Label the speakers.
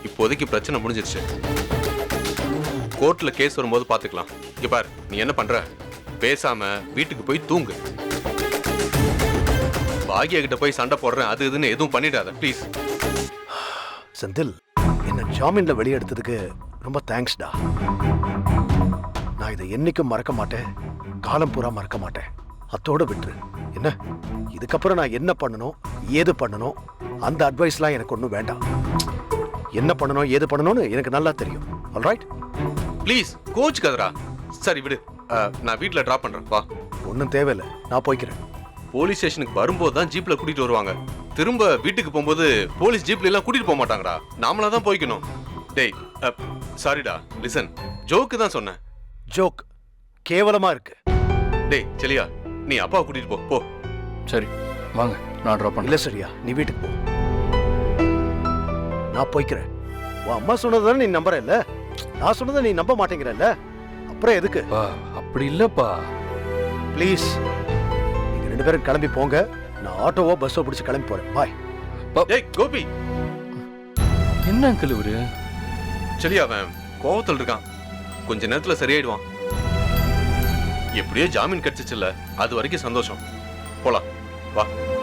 Speaker 1: இப்போதைக்கு பிரச்சனை முடிஞ்சிருச்சு. கோர்ட்ல கேஸ் வரும்போது பாத்துக்கலாம். இங்க பார், நீ என்ன பண்ற? பேசாம வீட்டுக்கு போய் தூங்கு. பாக்யா கிட்ட போய் சண்டை போடுறேன் அது இதுன்னு எதுவும் பண்ணிடாத ப்ளீஸ்.
Speaker 2: செந்தில், என்ன ஜாமீன்ல வெளியெடுத்ததுக்கு ரொம்ப தேங்க்ஸ்டா. நான் இதை என்னைக்கும் மறக்க மாட்டேன், காலம் பூரா மறக்க மாட்டேன். அத்தோட விட்டுரு. என்ன இதுக்கப்புறம் நான் என்ன பண்ணணும் ஏது பண்ணணும் அந்த அட்வைஸ்லாம் எனக்கு ஒன்றும் வேண்டாம். என்ன பண்ணணும் ஏது பண்ணணும்னு எனக்கு நல்லா தெரியும். ஆல்ரைட்?
Speaker 1: ப்ளீஸ் கோச் கதரா. சரி விடு, நான் வீட்டில் ட்ராப் பண்றேன். வா.
Speaker 2: ஒன்றும் தேவையில்லை, நான் போய்க்கிறேன்.
Speaker 1: போலீஸ் ஸ்டேஷனுக்கு வரும்போது தான் ஜீப்ல கூட்டிட்டு வருவாங்க. திரும்ப வீட்டுக்கு போகும்போது போலீஸ் ஜீப்ல எல்லாம் கூட்டிட்டு போக மாட்டாங்கடா. நாமளா தான் போய்க்கணும். டேய் சாரிடா, லிசன், ஜோக்கு தான் சொன்னேன்.
Speaker 2: ஜோக் கேவலமா இருக்கு.
Speaker 1: டேய் செலியா, நீ அப்பாவை கூட்டிட்டு போ. போ.
Speaker 3: சரி வாங்க, நான் ட்ராப்
Speaker 2: இல்ல
Speaker 3: பண்ணல.
Speaker 2: சரியா, நீ வீட்டுக்கு போ. நான் போய்க்கிறேன். உன் அம்மா சொன்னதானே நீ நம்புற இல்ல, நான் சொன்னதை நீ நம்ப மாட்டேங்கிறல்ல, அப்புறம் எதுக்கு?
Speaker 3: பா அப்படி இல்லப்பா.
Speaker 2: ப்ளீஸ் நீங்க 2 பேரும் கிளம்பி போங்க. நான் ஆட்டோவோ பஸ்ஸோ பிடிச்சு கிளம்பி போறேன். பாய்.
Speaker 1: ஏய் கோபி.
Speaker 3: என்ன அங்கிள் இவரு?
Speaker 1: செலியா, அவன் கோவத்தில் இருக்கான். கொஞ்ச நேரத்துல சரியாயிடுவான். எப்படியோ ஜாமீன் கிடைச்சிச்சுல்ல, அது வரைக்கும் சந்தோஷம். போலாம் வா.